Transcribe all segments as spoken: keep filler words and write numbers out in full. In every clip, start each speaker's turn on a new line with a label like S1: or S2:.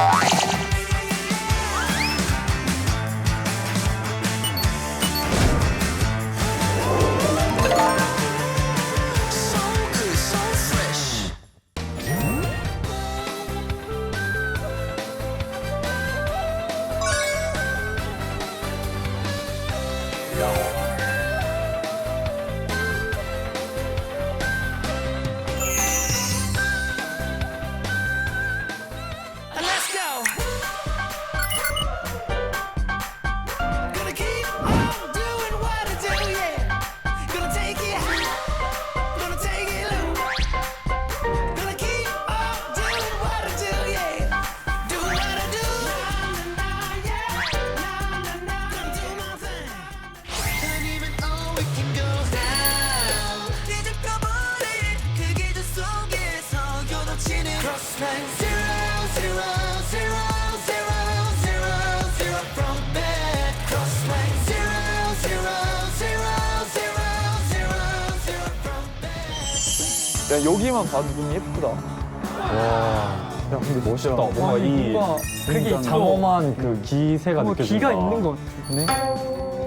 S1: 야, 여기만 봐도 눈 예쁘다.
S2: 와. 야, 근데 멋있다. 뭔가
S1: 아,
S2: 이
S1: 뭔가
S2: 되게 장엄한 그 기세가
S1: 뭔가
S2: 느껴진다.
S1: 기가 있는 것 같아.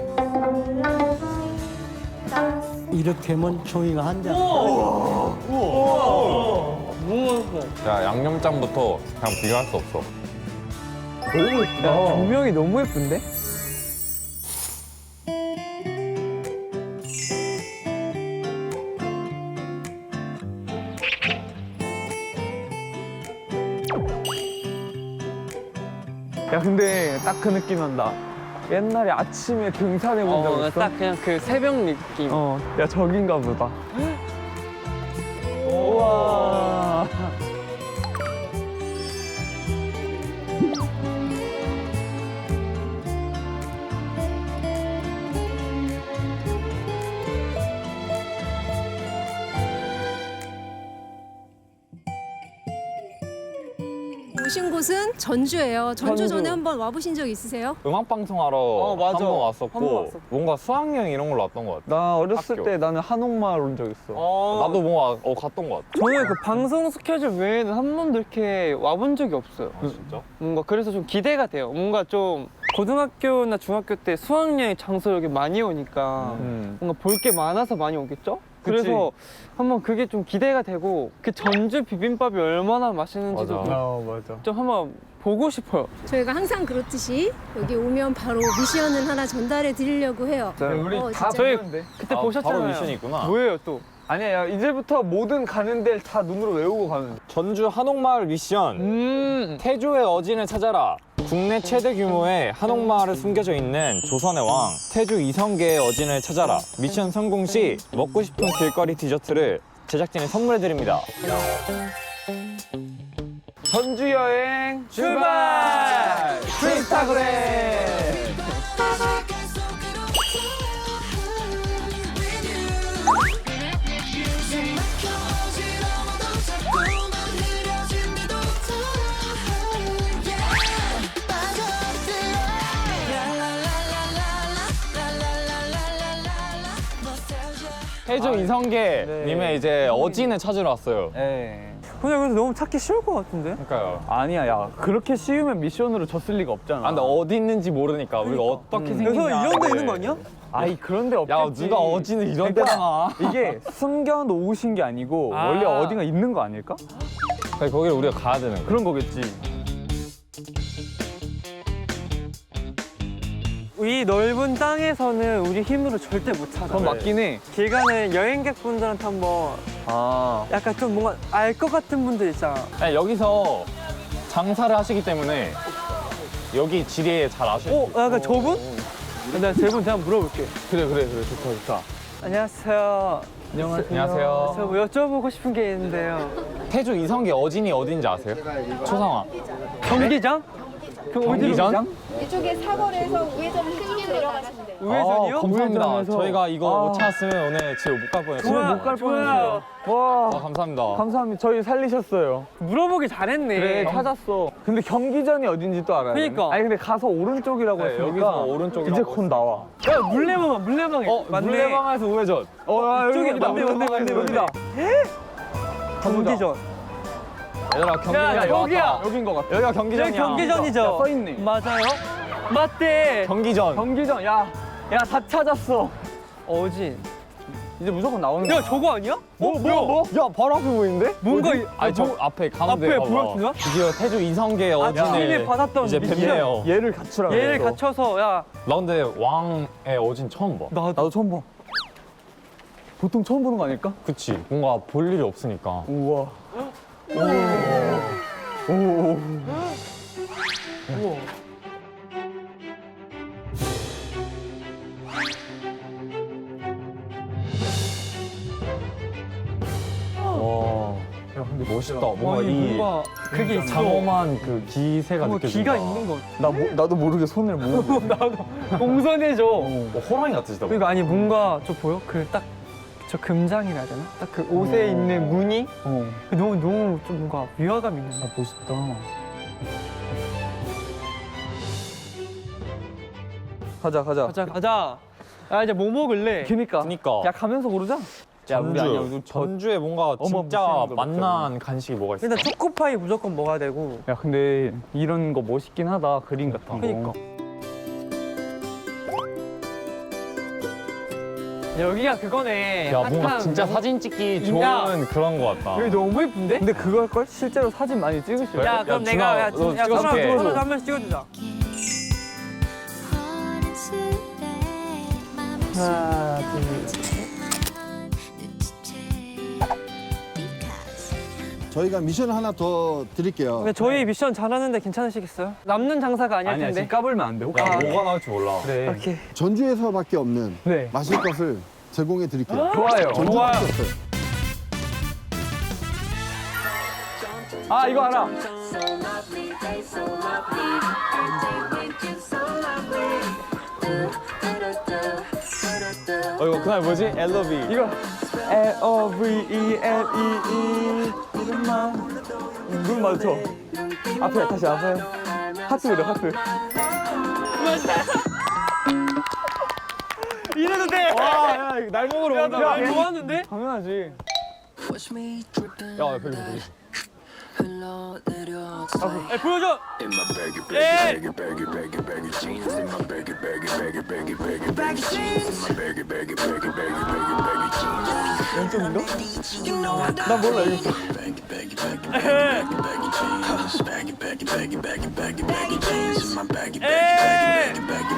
S3: 이렇게 하면 종이가 한 장.
S2: 야, 양념장부터 그냥 비교할 수 없어.
S1: 너무 예쁘다. 야, 조명이 너무 예쁜데? 야, 근데 딱 그 느낌 난다. 옛날에 아침에 등산해 본 적
S4: 어,
S1: 있어?
S4: 딱 그냥 그 새벽 느낌.
S1: 어, 야, 저긴가 보다. 우와.
S5: 오신 곳은 전주예요. 전주
S1: 전주.
S5: 전에 한번 와보신 적 있으세요?
S2: 음악 방송하러
S4: 맞아.
S2: 한 번 왔었고
S4: 한번 왔었고.
S2: 뭔가 수학여행 이런 걸로 왔던 것 같아.
S1: 나 어렸을
S2: 학교.
S1: 때 나는 한옥마을 온 적 있어.
S4: 어,
S2: 나도 뭔가 어 갔던 것 같아.
S4: 저는 그 방송 스케줄 외에는 한 번도 이렇게 와본 적이 없어요.
S2: 아, 진짜?
S4: 뭔가 그래서 좀 기대가 돼요. 뭔가 좀 고등학교나 중학교 때 수학여행 장소 여기 많이 오니까
S1: 음.
S4: 뭔가 볼 게 많아서 많이 오겠죠? 그래서 한번 그게 좀 기대가 되고 그 전주 비빔밥이 얼마나 맛있는지도
S2: 맞아.
S4: 좀,
S1: 어, 맞아.
S4: 좀 한번 보고 싶어요.
S5: 저희가 항상 그렇듯이 여기 오면 바로 미션을 하나 전달해 드리려고 해요.
S1: 우리
S5: 어,
S1: 다
S5: 진짜.
S1: 배우는데?
S4: 그때
S2: 아,
S4: 보셨잖아요.
S2: 바로 미션이 있구나.
S4: 뭐예요 또?
S1: 아니야, 야, 이제부터 모든 가는 데를 다 눈으로 외우고 가면 돼.
S2: 전주 한옥마을 미션.
S4: 음.
S2: 태조의 어진을 찾아라. 국내 최대 규모의 한옥마을에 숨겨져 있는 조선의 왕 태조 이성계의 어진을 찾아라. 미션 성공 시 먹고 싶은 길거리 디저트를 제작진이 선물해 드립니다.
S1: 전주 여행
S4: 출발!
S1: 트위스타그램!
S2: 태조 이성계
S1: 네.
S2: 님의 이제 어진을 찾으러 왔어요.
S1: 예.
S4: 근데 그래서 너무 찾기 쉬울 것 같은데?
S2: 그러니까요.
S1: 아니야, 야, 그렇게 쉬우면 미션으로 졌을 리가 없잖아.
S2: 아, 근데 어디 있는지 모르니까 우리가 어떻게 생겼냐.
S4: 그래서 이런 데 있는 거 아니야?
S1: 아이, 그런 데 없겠지.
S2: 야, 누가 어진을 이런
S1: 그러니까
S2: 데다 놔.
S1: 이게 숨겨 놓으신 게 아니고
S4: 아.
S1: 원래 어딘가 있는 거 아닐까?
S2: 그러니까 거기를 우리가 가야 되는 거야.
S1: 그런 거겠지.
S4: 이 넓은 땅에서는 우리 힘으로 절대 못 찾아.
S1: 그건 맞긴 해.
S4: 길 가는 여행객분들한테 한번
S1: 아.
S4: 약간 좀 뭔가 알 것 같은 분들 있잖아.
S2: 아니, 여기서 장사를 하시기 때문에 여기 지리에 잘 아실 수
S4: 어?
S2: 있어요.
S4: 약간 저분? 내가 저분 제가 물어볼게.
S1: 그래, 그래, 그래. 좋다, 좋다.
S4: 안녕하세요.
S2: 안녕하세요.
S4: 저 뭐 여쭤보고 싶은 게 있는데요.
S2: 태조 이성계 어진이 어딘지 아세요? 초상화.
S4: 경기장? 그 어디로?
S2: 경기전?
S6: 이쪽에 사거리에서 우회전 크게 내려가시면 돼요.
S4: 우회전이요?
S2: 아, 감사합니다.
S1: 우회전에서.
S2: 저희가 이거
S1: 아.
S2: 못 찾았으면 오늘 집에 못 갈 뻔했어요.
S1: 집에 못 갈
S4: 좋아요.
S1: 뻔했어요. 와.
S2: 아, 감사합니다.
S1: 감사합니다. 저희 살리셨어요.
S4: 물어보기 잘했네.
S1: 그래, 찾았어. 근데 경기전이 어딘지 또 알아요.
S4: 그니까.
S1: 아니, 근데 가서 오른쪽이라고
S2: 네,
S1: 했으니까
S2: 여기서 오른쪽이라고
S1: 이제 곧 나와.
S4: 야, 물레방아, 물레방에.
S2: 어,
S4: 맞네.
S2: 물레방아에서 우회전.
S1: 어, 아,
S4: 이쪽이야.
S1: 여기다.
S4: 맞네, 맞네, 맞네,
S1: 여기다.
S4: 경기전.
S2: 얘들아 경기장
S4: 야, 저기야.
S1: 여긴 것 같아.
S2: 여기가 경기장이야.
S4: 여기 경기전이죠?
S1: 야, 써있네.
S4: 맞아요? 맞대.
S2: 경기전.
S1: 경기장, 야, 야, 다 찾았어.
S4: 어진.
S1: 이제 무조건 나오는 거야.
S4: 야, 저거 아니야?
S1: 뭐, 뭐, 뭐?
S2: 야 바로 앞에 보이는데?
S4: 뭔가 이-
S2: 아니 저 앞에 가운데
S4: 앞에
S2: 봐봐.
S4: 보여주나?
S2: 드디어 태주 이성계
S4: 아,
S2: 어진을
S4: 지인이 받았던
S2: 이제
S4: 미션.
S2: 뵙네요.
S1: 얘를 갖추라.
S4: 얘를
S1: 그랬어.
S4: 갖춰서 야,
S2: 나 근데 왕의 어진 처음 봐.
S4: 나도
S1: 나도 처음 봐. 보통 처음 보는 거 아닐까?
S2: 그치. 뭔가 볼 일이 없으니까.
S1: 우와.
S2: 와. 야 근데 멋있다. 뭔가
S4: 와, 이
S2: 이
S4: 뭔가 그게 있어.
S2: 장엄한 그 기세가
S4: 뭔가
S2: 느껴진다.
S4: 기가 있는 거.
S1: 나 모, 나도 모르게 손을 모으고.
S4: 나도 공손해져.
S2: 뭐 호랑이 같으시다.
S4: 그러니까 아니 뭔가 저 보여? 그 딱 저 금장이라 해야 되나? 딱 그 옷에 있는 무늬?
S1: 어.
S4: 그 너무 너무 좀 뭔가 위화감 있는 거.
S1: 멋있다. 가자, 가자.
S4: 가자 가자. 아 이제 뭐 먹을래?
S1: 그니까.
S2: 그니까.
S1: 야, 가면서 고르자. 야, 우리
S2: 전주.
S1: 아니야. 우리 저...
S2: 전주에 뭔가
S1: 어머,
S2: 진짜
S1: 무슨 거
S2: 맛난 간식이 뭐가 있어?
S4: 일단 초코파이 무조건 먹어야 되고.
S1: 야, 근데 이런 거 멋있긴 하다. 그림 같은 거.
S4: 그니까. 여기가 그거네.
S2: 야 뭔가
S4: 핫한
S2: 진짜
S4: 명-
S2: 사진 찍기
S4: 야.
S2: 좋은 그런 거 같다.
S4: 여기 너무 예쁜데?
S1: 근데 그거 할걸? 실제로 사진 많이 찍으실
S4: 야,
S1: 거야.
S4: 그럼
S2: 준아,
S4: 내가 야,
S2: 너
S4: 준- 야,
S2: 찍어줄게.
S4: 서로 서로 한 번씩 찍어주자.
S1: 하나, 둘,
S7: 저희가 미션을 하나 더 드릴게요.
S4: 근데 저희 미션 잘하는데 괜찮으시겠어요? 남는 장사가 아닐
S1: 아니야,
S4: 텐데.
S1: 지금 까불면 안 돼. 혹시.
S2: 야 뭐가 나올지 몰라.
S1: 그래.
S4: 오케이.
S7: 전주에서밖에 없는
S1: 네.
S7: 마실 것을 제공해 드릴게요.
S1: 좋아요.
S7: 전주밖에 없어요.
S1: 아, 이거 알아.
S2: 어 이거 그날 뭐지? 엘러비.
S1: 이거 L O V E L E E 이름만 눈 맞춰. 앞에 다시 앞에 하트 그려 하트.
S4: 이래도 돼.
S2: 와, 야, 이거 날먹으러
S4: 야,
S2: 온다.
S4: 나 좋아하는데?
S1: 당연하지.
S2: 야, 여기 여기.
S4: 에 보여줘. 에.
S1: 왼쪽인가? 나 몰라 이거.
S4: 에.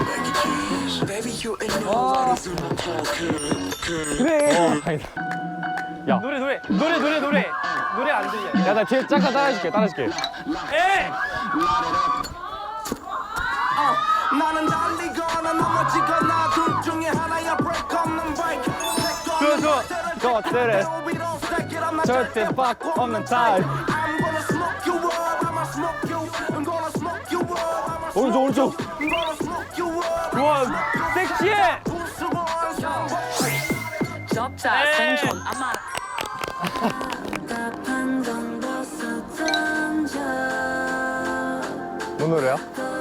S1: 그래.
S4: 노래 노래 노래 노래 노래 노래 안 들려.
S2: 야, 나 뒤에 잠깐 따라해줄게, 따라해줄게.
S4: 에.
S8: 나는 달리거나 넘어지거나 둘 중에 하나야 break 없는 break
S4: 좋아 좋아.
S2: 것들을 절대 바꾸 없는 타입.
S8: I'm gonna smoke you up I'ma smoke you I'm gonna smoke you up I'ma
S2: 오른쪽, 오른쪽.
S8: I'm gonna smoke you up
S4: 좋아. 섹시해.
S9: 접자 생존 아마
S2: 뭔 노래야?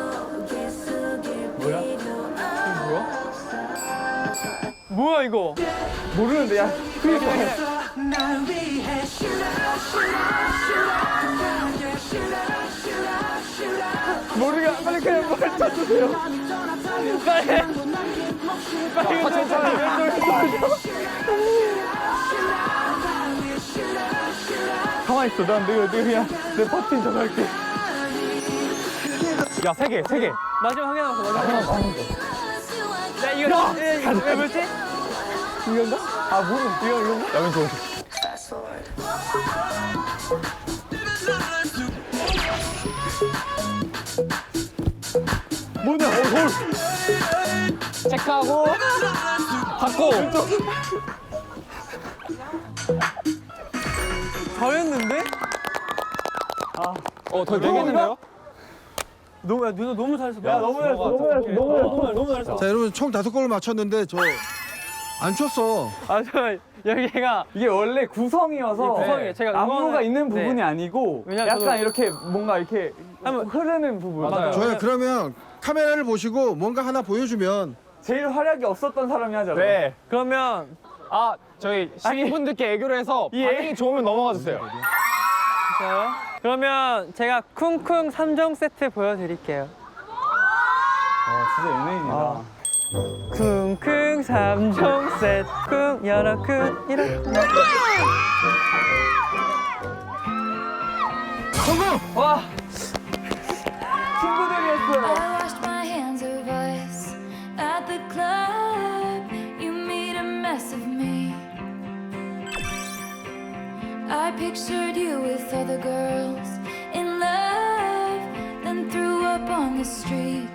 S4: 뭐야 이거?
S1: 모르는데 야. 모르게 빨리 그냥 뭘 찾으세요.
S4: 빨리. 빨리
S1: 아,
S4: 괜찮아.
S1: 가만히 있어. 난 내가 내가 그냥 내 파티 좀 할게.
S2: 야, 세 개, 세 개.
S4: 마지막 한 개 남았어. 마지막 한 개. 야 이거 야, 이거 뭐지?
S1: 이건가? 아 모르. 이거 이건가?
S2: 야, 왼쪽, 왼쪽.
S1: 뭐냐? 어, 헐.
S2: 체크하고 받고.
S4: 잘했는데?
S2: 어, 더 되겠는데요?
S4: 너무 야 누나 너무 잘했어.
S1: 야 너무 잘했어. 너무 잘했어. 너무 잘했어.
S4: 너무 너무 잘했어.
S7: 자, 여러분 총 다섯 골을 맞췄는데 저 안 쳤어.
S4: 아 저 여기가
S1: 이게 원래 구성이어서
S4: 이게 구성이에요. 제가
S1: 안무가
S4: 응원을-
S1: 있는
S4: 네.
S1: 부분이 아니고
S4: 왜냐면
S1: 약간
S4: 저도-
S1: 이렇게 뭔가 이렇게
S4: 한번-
S1: 흐르는 부분.
S2: 맞아요.
S7: 좋아요. 그러면 카메라를 보시고 뭔가 하나 보여주면
S1: 제일 활약이 없었던 사람이 하잖아.
S2: 네.
S4: 그러면
S2: 아, 저희 시민분들께 애교를 해서
S4: 예.
S2: 반응이 좋으면 넘어가 주세요.
S4: 알았어요. 그러면 제가 쿵쿵 삼 종 세트 보여드릴게요.
S1: 진짜 연예인이다.
S4: 쿵쿵 삼 종 세트 쿵 여러 쿵 이렇게. 성공! 와! 친구들이었어요.
S10: I washed my hands of us at the club. You made a mess of me. I pictured you with other girls in love, then threw up on the street.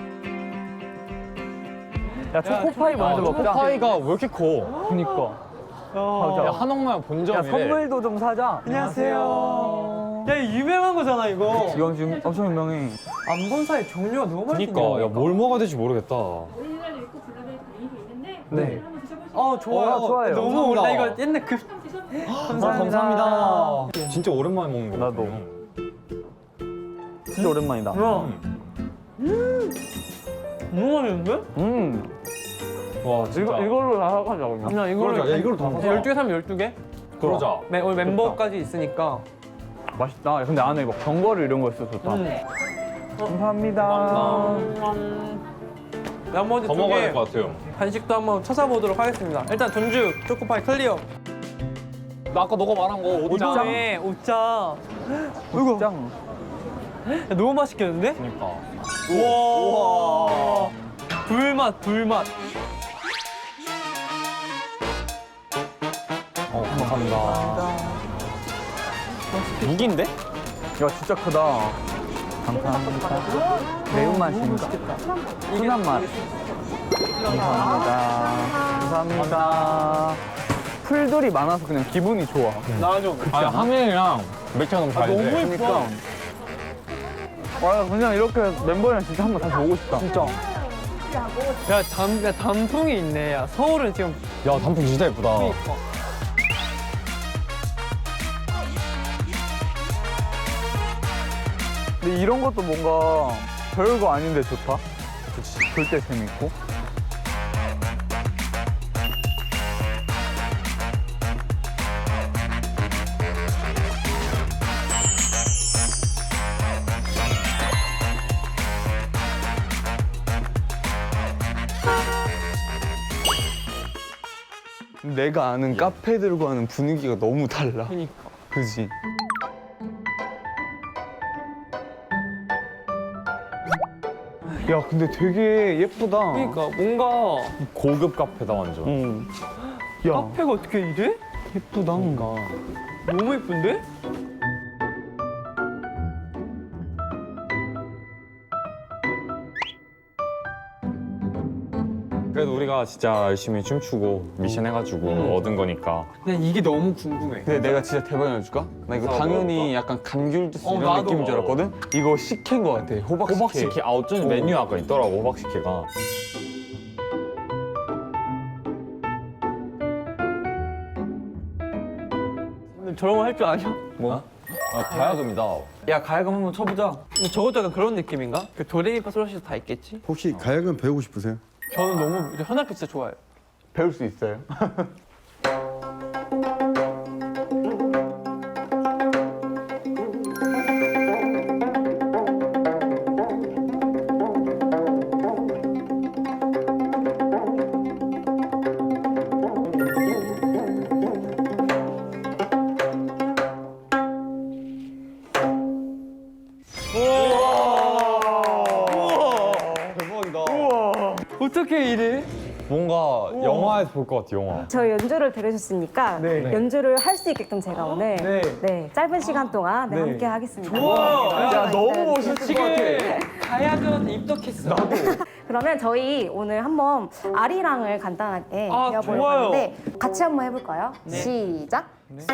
S1: 야, 초코파이 먼저 먹자.
S2: 초코파이가 왜 이렇게 커?
S1: 그니까.
S2: 야, 한옥마을 본점이래.
S1: 야, 선물도 좀 사자.
S4: 안녕하세요. 야, 이거 유명한 거잖아, 이거.
S1: 이건 지금 엄청 유명해.
S4: 안 본 사이 종류가 너무 많이
S2: 그니까, 야, 뭘 먹어야 될지 모르겠다.
S5: 오리지널 있고 블루베리 드링크 있는데
S1: 네.
S5: 한번 드셔보시면
S4: 어, 좋아요.
S1: 어, 좋아요.
S4: 너무
S2: 감사합니다.
S4: 오래 이거 옛날 그
S2: 감사합니다. 감사합니다. 진짜 오랜만에 먹는 거
S1: 나도. 진짜 오랜만이다.
S4: 음. 너무 맛있는데?
S1: 음.
S2: 와, 진짜.
S1: 이거, 이걸로 다 사가자, 그러면.
S4: 그냥 이걸로
S2: 그러자. 야, 이걸로 다 사자.
S4: 열두 개 사면 열두 개?
S2: 그러자.
S4: 네, 오늘 멤버까지 있으니까.
S1: 맛있다. 야, 근데 안에 막 견과류 이런 거 있어 좋다.
S4: 음.
S1: 감사합니다.
S4: 나머지
S2: 더
S4: 두
S2: 먹어야
S4: 개
S2: 될 것 같아요.
S4: 간식도 한번 찾아보도록 하겠습니다. 일단 전주 초코파이 클리어.
S2: 나 아까 너가 말한 거 옷장.
S4: 오짱에 오짱.
S1: 이거.
S4: 야, 너무 맛있겠는데?
S2: 그니까.
S4: 우와. 불맛, 불맛.
S2: 어, 감사합니다. 무기인데?
S1: 야, 진짜 크다. 감사합니다. 매운맛입니다. 순한 맛. 감사합니다. 감사합니다. 풀들이 많아서 그냥 기분이 좋아.
S4: 나와줘.
S2: 아니, 하민이랑 맥주가 너무 잘 돼.
S4: 너무 예뻐.
S1: 그러니까. 와, 그냥 이렇게 멤버랑 진짜 한번 다시 오고 싶다. 진짜.
S4: 야, 단, 야, 단풍이 있네. 야, 서울은 지금.
S2: 야, 단풍 진짜 예쁘다.
S1: 근데 이런 것도 뭔가 별거 아닌데 좋다. 그치. 볼 때 재밌고. 내가 아는 카페들과 하는 분위기가 너무 달라.
S4: 그니까.
S1: 그지? 야, 근데 되게 예쁘다.
S4: 그니까, 뭔가.
S2: 고급 카페다, 완전.
S1: 응. 야,
S4: 카페가 어떻게 이래?
S1: 예쁘다.
S4: 너무 예쁜데?
S2: 그래도 우리가 진짜 열심히 춤추고 미션 해가지고 얻은 거니까.
S4: 그냥 이게 너무 궁금해.
S1: 근데 내가 진짜 대박 알려줄까? 나 이거
S2: 아,
S1: 당연히
S2: 먹어볼까?
S1: 약간 감귤주스
S4: 어,
S1: 이런
S4: 나도.
S1: 느낌인 줄 알았거든? 이거 식혜인 것 같아. 호박식혜.
S2: 호박식혜. 아, 어쩐지 메뉴 아까 있더라고, 호박식혜가.
S4: 근데 저런 거 할 줄 아냐?
S2: 뭐? 아, 가야금이다.
S1: 야, 가야금 한번 쳐보자.
S4: 근데 저것도 약간 그런 느낌인가? 그 도레미파솔라시도 다 있겠지?
S7: 혹시 가야금 배우고 싶으세요?
S4: 저는 너무 이제 현악기 진짜 좋아해요.
S1: 배울 수 있어요?
S4: 어떻게 이래?
S2: 뭔가 영화에서 볼 것 같아, 영화.
S11: 저희 연주를 들으셨으니까
S1: 네.
S11: 연주를 할 수 있게끔 제가 오늘
S1: 네.
S11: 네, 짧은 시간 동안 네,
S1: 네.
S11: 함께 하겠습니다.
S4: 좋아.
S1: 야, 너무 멋있을 것
S4: 지금
S1: 같아.
S4: 가야금한테 입덕했어.
S11: 그러면 저희 오늘 한번 아리랑을 간단하게
S4: 아,
S11: 배워보려고
S4: 좋아요.
S11: 하는데 같이 한번 해볼까요?
S4: 네.
S11: 시작.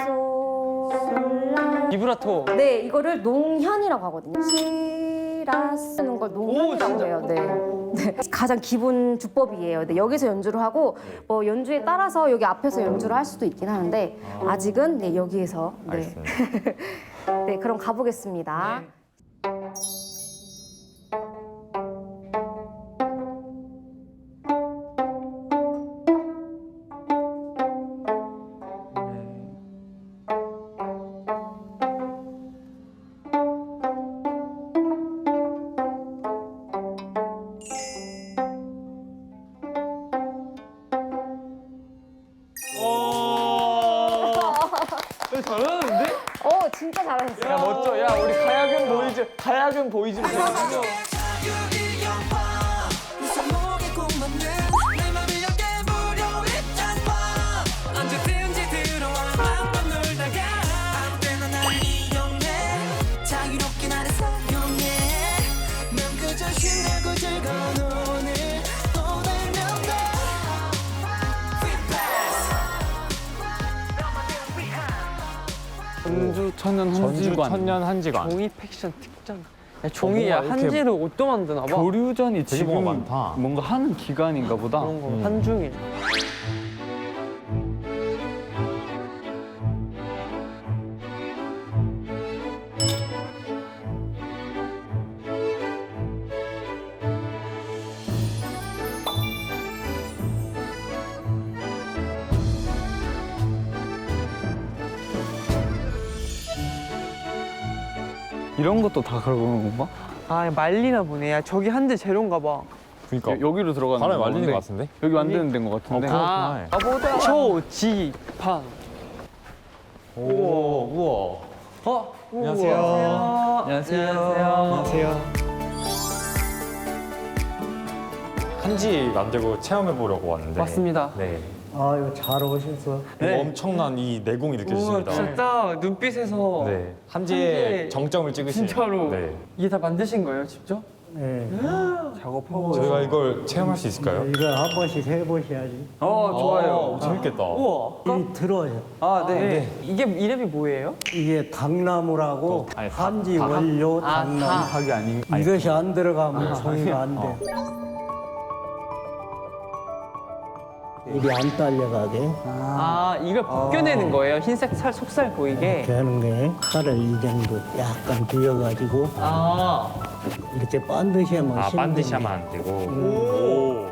S11: 솔라.
S4: 비브라토.
S11: 네, 이거를 농현이라고 하거든요. 시라 쓰는 걸 농현이라고
S4: 진짜?
S11: 해요. 네. 네. 가장 기본 주법이에요. 네, 여기서 연주를 하고 뭐 연주에 따라서 여기 앞에서 연주를 할 수도 있긴 하는데 아직은 네, 여기에서 네.
S2: 알겠습니다.
S11: 네, 그럼 가보겠습니다. 진짜 잘하셨어요.
S1: 야 멋져. 야 우리 가야금 보이즈 가야금 보이즈.
S8: 언제든지 들어와 한번 놀다가 아무 때나 나를 이용해 자유롭게 나를 사용해 난 그저 신나고 즐거운 오늘 또 달면 돼
S4: 전주 천년
S2: 전주
S4: 한지관.
S2: 천년 한지관.
S4: 종이 팩션 특장. 야, 종이야
S2: 뭔가 이렇게
S4: 한지로 옷도 만드나 봐.
S1: 교류전이
S2: 되게
S1: 지금
S2: 뭐가 많다.
S1: 뭔가 하는 기간인가 보다.
S4: 그런 거
S2: 음.
S4: 한중일.
S1: 이런 것도 다 그러는 건가?
S4: 아 말리나 보네. 야 저기 한지 재료인가 봐.
S2: 그러니까
S1: 여기로 들어가는
S2: 바람에
S1: 건데.
S2: 말리는 것 같은데?
S1: 여기 만드는 데인 것 같은데.
S2: 어,
S4: 아,
S2: 그렇구나.
S4: 초지판.
S2: 오, 우와.
S4: 어?
S2: 안녕하세요.
S1: 안녕하세요.
S4: 안녕하세요.
S2: 한지 만들고 체험해 보려고 왔는데.
S4: 맞습니다.
S2: 네.
S3: 아유 잘 오셨어.
S4: 네.
S2: 엄청난 이 내공이
S4: 우와,
S2: 느껴집니다.
S4: 진짜 딱 눈빛에서
S2: 네. 한지의
S4: 한지의
S2: 정점을 찍으신.
S4: 진짜로
S2: 네.
S4: 이게 다 만드신 거예요, 직접?
S3: 네.
S4: 작업하고.
S2: 저희가 이걸 체험할 수 있을까요?
S3: 이거 한 번씩 해보셔야지.
S4: 어, 좋아요.
S2: 오, 재밌겠다.
S4: 우와.
S3: 이 들어요.
S4: 아, 네. 이게 이름이 뭐예요?
S3: 이게 당나무라고
S2: 아니, 다-
S3: 한지
S2: 다-
S3: 원료
S4: 아,
S3: 당나무.
S4: 다.
S1: 하기 아니.
S3: 이것이 안 들어가면 종이가 안 돼. 이게 안 딸려가게
S4: 아, 이걸 벗겨내는 거예요? 흰색 살, 속살 보이게?
S3: 이렇게 하는 거예요. 칼을 이 정도 약간 비워가지고
S4: 아,
S3: 이렇게 반드시 하면
S2: 아,
S3: 힘든
S2: 반드시
S3: 게.
S2: 하면 안 되고. 오.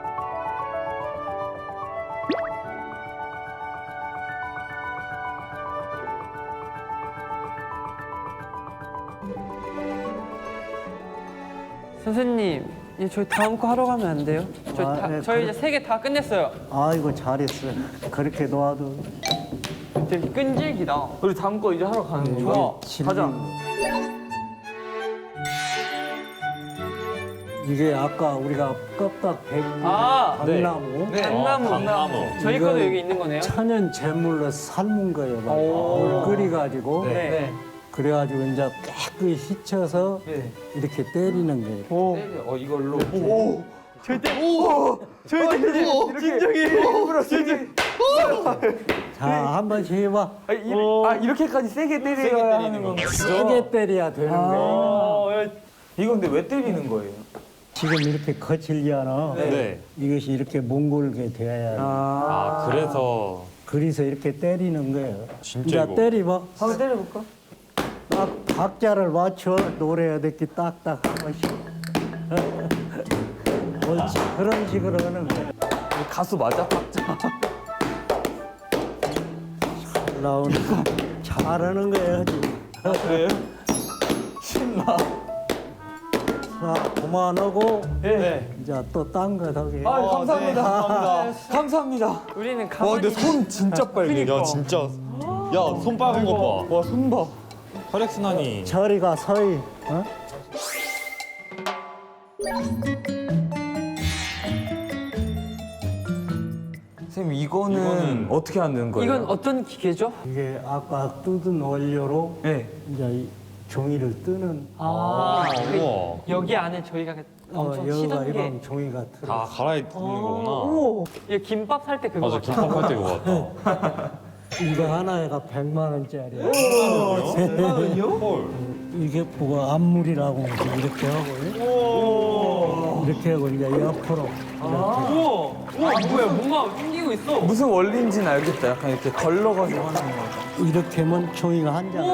S4: 선생님, 이제 저희 다음 거 하러 가면 안 돼요? 저희,
S3: 아,
S4: 다,
S3: 네,
S4: 저희
S3: 그래.
S4: 이제 세 개 다 끝냈어요.
S3: 아이고 잘했어. 그렇게 놓아도
S4: 되게 끈질기다.
S1: 우리 다음 거 이제 하러 가는
S3: 네,
S1: 거야.
S3: 이게
S1: 가자.
S3: 이게 아까 우리가 껍딱 백
S4: 아,
S3: 당나무
S4: 네. 당나무.
S2: 어, 당나무.
S4: 저희
S3: 이거
S4: 거도 여기 있는 거네요?
S3: 천연 제물로 삶은 거예요. 막.
S4: 오.
S3: 물 끓여가지고
S4: 네.
S3: 그래가지고 이제 깨끗이 씻혀서
S4: 네.
S3: 이렇게 때리는 거예요.
S4: 오.
S1: 어 이걸로.
S3: 자, 한 번씩 해봐.
S1: 아, 이, 아 이렇게까지 세게 때려야 하는 건가?
S3: 세게 때려야 되는 거예요.
S1: 어, 야, 이거 근데 왜 때리는 거예요?
S3: 지금 이렇게 거칠잖아.
S2: 네.
S3: 이것이 이렇게 몽골게 돼야 돼.
S2: 아, 그래서
S3: 그래서 이렇게 때리는 거예요.
S2: 진짜
S3: 이제
S2: 이거.
S3: 때리봐.
S1: 한번 때려볼까?
S3: 딱 박자를 맞춰 노래야 이렇게 딱딱 한 번씩. 옳지. 그런 식으로 하는 거야.
S1: 가수 맞아? 박자.
S3: 잘 나오는 거. 잘하는 거예요, 지금.
S1: 그래요? 신나.
S3: 자, 그만하고
S1: 네.
S3: 이제 또 딴 거 더 해.
S1: 아 감사합니다. 감사합니다. 감사합니다.
S4: 우리는
S2: 와,
S4: 가만히.
S2: 근데 손 진짜 빨개. 야, 진짜. 야, 손 빨간 거 봐.
S1: 와 손 봐.
S2: 혈액순환이.
S3: 저리가 서희. 어?
S1: 선생님 이거는,
S2: 이거는
S1: 어떻게 하는 거예요?
S4: 이건 어떤 기계죠?
S3: 이게 아까 뜯은 원료로
S1: 네.
S3: 이제 이 종이를 뜨는
S4: 아, 그
S2: 우와.
S4: 여기 안에 저희가
S3: 어,
S4: 엄청
S3: 여기가
S4: 치던 게.
S3: 이런 종이가 들어.
S2: 다 갈아입는 거구나.
S4: 오, 이게 김밥 살 때 그거
S2: 맞아,
S4: 같아.
S2: 김밥 할 때 그거 같다.
S3: 이거 하나가 백만 원짜리야.
S2: 헐.
S3: 이게 뭐가 안물이라고 이렇게 하고 이렇게 하고 이제 옆으로
S4: 우와, 우와, 뭐야, 뭔가 움직이고 있어.
S1: 무슨 원리인지는 알겠다. 약간 이렇게 걸러가지고 하는 거.
S3: 이렇게 하면 종이가 한 장.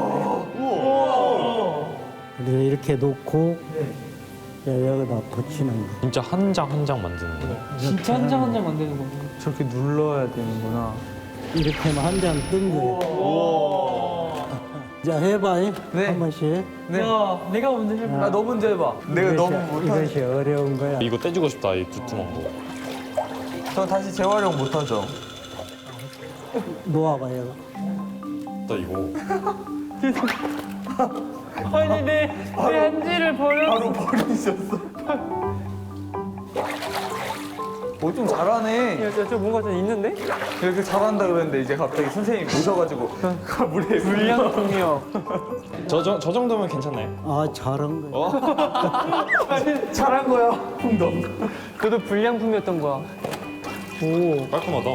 S3: 그래서 이렇게 놓고 이제 여기다 붙이는 거.
S2: 진짜 한 장 한 장 만드는 거네.
S4: 진짜 한 장 한 장 만드는 거.
S1: 저렇게 눌러야 되는구나.
S3: 이렇게 하면 한 장 뜬 거예요. 자, 해봐.
S1: 네.
S3: 한 번씩.
S1: 네.
S4: 야, 내가 먼저 해볼게.
S1: 아 너 먼저 해봐. 내가 너무
S3: 이것이-
S1: 못하지.
S3: 이것이 어려운 거야.
S2: 이거 떼주고 싶다, 이 두툼한 거.
S1: 저 다시 재활용 못하죠.
S3: 놓아봐요.
S2: 나 이거.
S4: 아니 내, 내 한지를 버려.
S1: 바로 버리셨어. 오, 좀 잘하네.
S4: 야, 저, 저 뭔가 좀 있는데?
S1: 이렇게 잘한다 그랬는데 이제 갑자기 선생님이 오셔가지고 물에
S4: 불량품이요.
S2: 저, 저, 저 정도면 괜찮나요?
S3: 아 잘한 거야.
S1: 잘한 거야. 풍덩.
S4: 그래도 불량품이었던 거야.
S2: 오, 깔끔하다.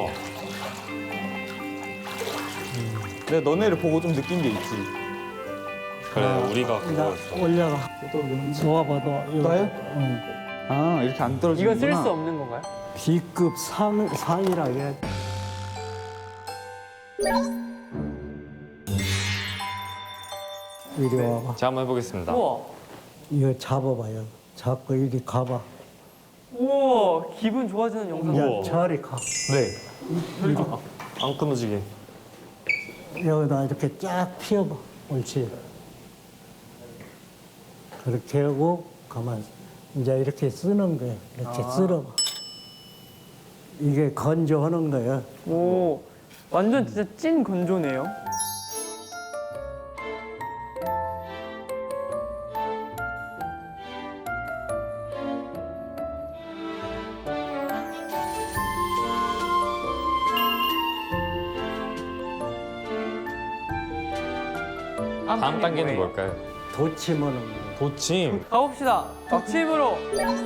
S1: 내가 너네를 보고 좀 느낀 게 있지.
S2: 그래, 우리가
S3: 나
S2: 그거
S3: 올려가. 놓아봐도.
S1: 나요?
S3: 응.
S1: 아, 이렇게 안 떨어지는구나.
S4: 이거 쓸 수 없는 건가요?
S3: B급 상 상이라 해야 돼. 이리 와봐.
S2: 제가 한번 해보겠습니다.
S4: 우와.
S3: 이거 잡아봐요. 잡고 이리 가봐.
S4: 우와, 기분 좋아지는 영상.
S3: 야,
S2: 우와.
S3: 저리 가.
S2: 네. 안 끊어지게.
S3: 여기다 이렇게 쫙 피워봐. 옳지. 그렇게 하고 가만. 이제 이렇게 쓰는 거야. 이렇게 쓸어봐. 이게 건조하는 거야.
S4: 오, 완전 진짜 찐 건조네요.
S2: 다음 단계는 뭘까요?
S3: 도침하는 거야.
S2: 도침.
S4: 가봅시다. 도침으로.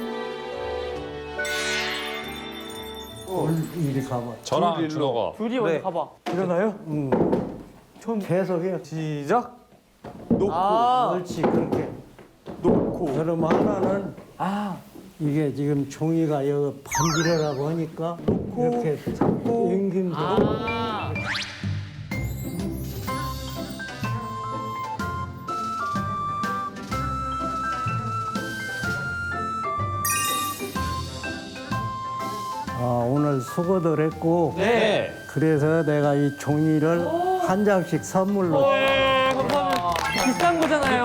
S3: 이리 가봐.
S2: 저랑 준호가.
S4: 둘이
S1: 네.
S4: 먼저 가봐.
S1: 일어나요?
S3: 응. 계속 해.
S1: 시작. 놓고.
S4: 아,
S3: 옳지, 그렇게.
S1: 놓고.
S3: 그럼 하나는
S4: 아,
S3: 이게 지금 종이가 여기 반지르라고 하니까 이렇게 잡고 앵긴 거.
S4: 아.
S3: 아, 오늘 수고들 했고
S2: 네.
S3: 그래서 내가 이 종이를 한 장씩 선물로.
S4: 네, 감사합니다. 비싼 거잖아요.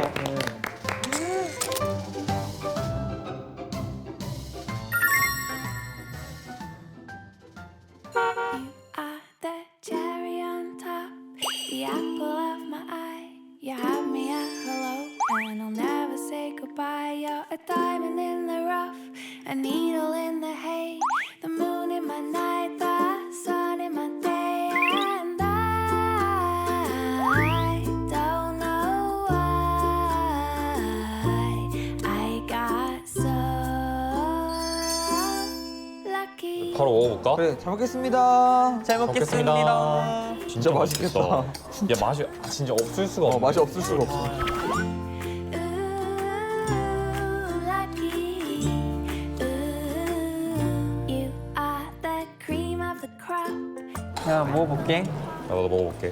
S10: are the cherry on top, the apple of my eye. You have me at hello, and I'll never say goodbye. You're a diamond in the rough, a needle in the hay, the moon in my night, the sun in my day, and I don't know why I got so lucky.
S2: 바로 먹어볼까?
S1: 그래, 잘 먹겠습니다.
S4: 잘 먹겠습니다.
S2: 진짜
S1: 맛있겠다.
S2: 야, 맛이 아, 진짜 없을 수가 없네.
S1: 어, 맛이 없을 수가 없어.
S10: Ooh, lucky. Ooh, you are the cream of the crop.
S4: 자, 먹어볼게.
S2: 나도 먹어볼게.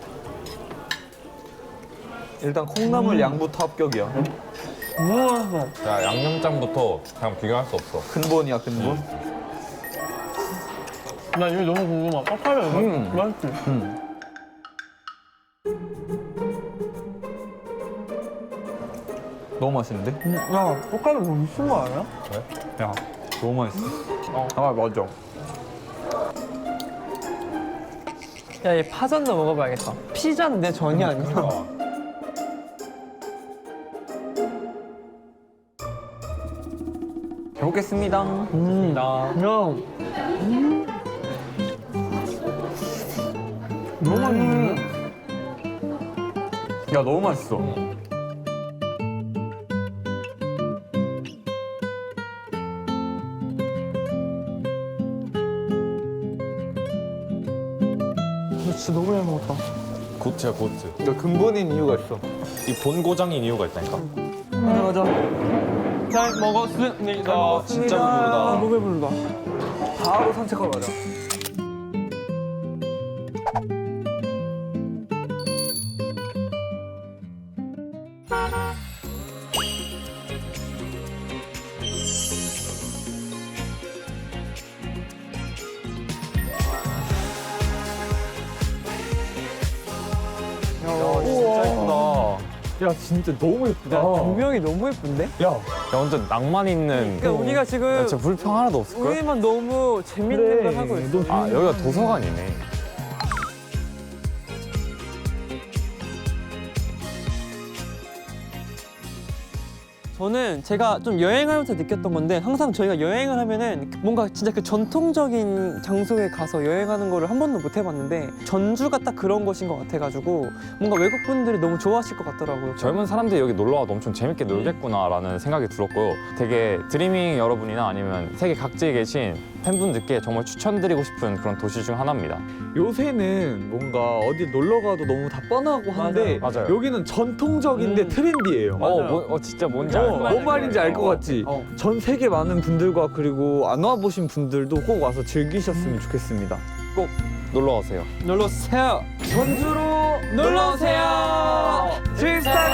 S1: 일단 콩나물 양부터 합격이야.
S4: 우와.
S2: 야, 양념장부터 그냥 비교할 수 없어.
S1: 근본이야, 근본.
S4: 나 이거 너무 궁금하. 빡빡해.
S1: 음.
S4: 맛있지?
S1: 음. 너무 맛있는데?
S4: 야, 볶음이 너무 미친 거 아니야?
S1: 야, 너무 맛있어. 아, 맞아.
S4: 야, 얘 파전도 먹어봐야겠다. 피자는 내 전이 아니야.
S1: 잘 먹겠습니다.
S4: 음, 나. 형.
S1: 너무 맛있는데? 야, 너무 맛있어.
S4: 진짜 너무 잘 먹었다.
S2: 고트야, 고트.
S1: 그러니까 근본인 이유가 있어.
S2: 이 본고장인 이유가 있다니까.
S1: 가자, 가자.
S4: 잘 먹었습니다.
S2: 아, 진짜 배부르다.
S4: 아, 너무 배부르다.
S1: 바로 산책하러 가자.
S2: 야, 진짜 예쁘다.
S1: 야, 진짜 너무 예쁘다.
S4: 야, 조명이 너무 예쁜데?
S2: 야, 야, 완전 낭만 있는.
S4: 그러니까 우리가 지금
S2: 야, 진짜 불평 하나도 없을걸?
S4: 우리만 너무 재밌는 걸 하고 있어.
S2: 아, 여기가 도서관이네.
S4: 저는 제가 좀 여행하면서 느꼈던 건데 항상 저희가 여행을 하면은 뭔가 진짜 그 전통적인 장소에 가서 여행하는 거를 한 번도 못 해봤는데 전주가 딱 그런 곳인 것 같아가지고 뭔가 외국 분들이 너무 좋아하실 것 같더라고요.
S2: 젊은 사람들이 여기 놀러 와도 엄청 재밌게 놀겠구나라는 생각이 들었고 되게 드리밍 여러분이나 아니면 세계 각지에 계신 팬분들께 정말 추천드리고 싶은 그런 도시 중 하나입니다.
S1: 요새는 뭔가 어디 놀러 가도 너무 다 뻔하고 한데
S2: 맞아요. 맞아요.
S1: 여기는 전통적인데
S4: 음.
S1: 트렌디해요.
S2: 어, 뭐, 어 진짜 뭔지
S1: 어,
S2: 알 것 같아요.
S1: 뭔 말인지 알 것 같지?
S4: 어.
S1: 전 세계 많은 분들과 그리고 안 와보신 분들도 꼭 와서 즐기셨으면 좋겠습니다.
S2: 꼭 놀러 오세요.
S4: 놀러 오세요.
S1: 전주로
S4: 놀러 오세요.
S1: 트위스타